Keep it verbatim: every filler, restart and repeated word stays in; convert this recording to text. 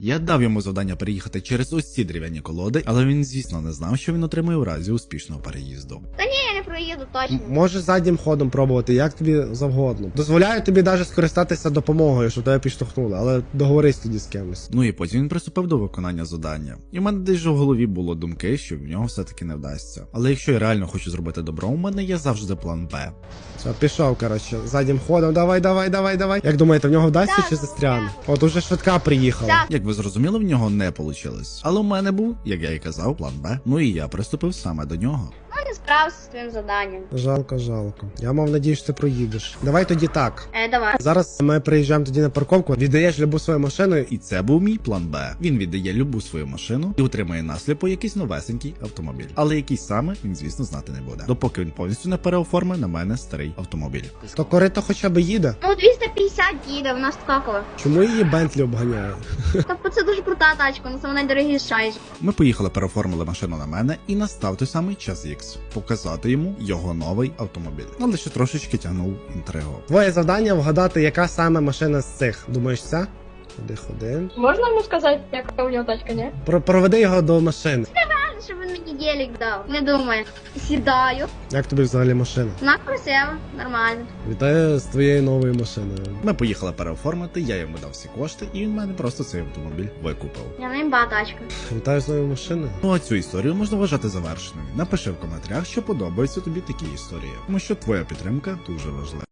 Я дав йому завдання переїхати через ось ці дерев'яні колоди, але він, звісно, не знав, що він отримає у разі успішного переїзду. Та ні, я не проїду точно. М- Можеш заднім ходом пробувати, як тобі завгодно. Дозволяю тобі навіть скористатися допомогою, щоб тебе підштовхнули, але договорись тоді з кимось. Ну і потім він приступив до виконання завдання. І в мене десь в голові було думки, що в нього все-таки не вдасться. Але якщо я реально хочу зробити добро, у мене є завжди план Б. Все, пішов, коротше, заднім ходом, давай, давай, давай, давай. Як думаєте, в нього вдасться Так, чи ну, застряне? так. От уже швидка приїхала. Так. Як ви зрозуміли, в нього не вийшло. Але у мене був, як я і казав, план Б. Ну і я приступив саме до нього. Ну, не справився з твоїм завданням. Жалко, жалко. Я мав надію, що ти проїдеш. Давай тоді так. Е, давай. Зараз ми приїжджаємо тоді на парковку, віддаєш любу свою машину і І це був мій план Б. Він віддає любу свою машину і отримає насліпо якийсь новесенький автомобіль. Але який саме, він, звісно, знати не буде. Допоки він повністю не переоформить на мене старий автомобіль. то корито хоча б їде. Ну, двісті п'ятдесят їде, вона скакова. Чому її Бентлі обганяє? Тобто це дуже крута тачка, ну це вона найдорогіша. Ми поїхали, переоформили машину на мене і настав той самий час Ікс. Показати йому його новий автомобіль. Але ще трошечки тягнув інтригу. Твоє завдання вгадати, яка саме машина з цих. Думаєш, ця? Ходи, ходи. Можна йому сказати, яка у нього тачка, ні? Про проведи його до машини. Правильно, щоб він мені гелік дав. Не думаю. Сідаю. Як тобі взагалі машина? Вона красива, нормально. Вітаю з твоєю новою машиною. Ми поїхали переоформити, я йому дав всі кошти, і він мене просто цей автомобіль викупив. Я не імба тачка. Вітаю з новою машиною. Ну а цю історію можна вважати завершеною. Напиши в коментарях, що подобаються тобі такі історії, тому що твоя підтримка дуже важлива.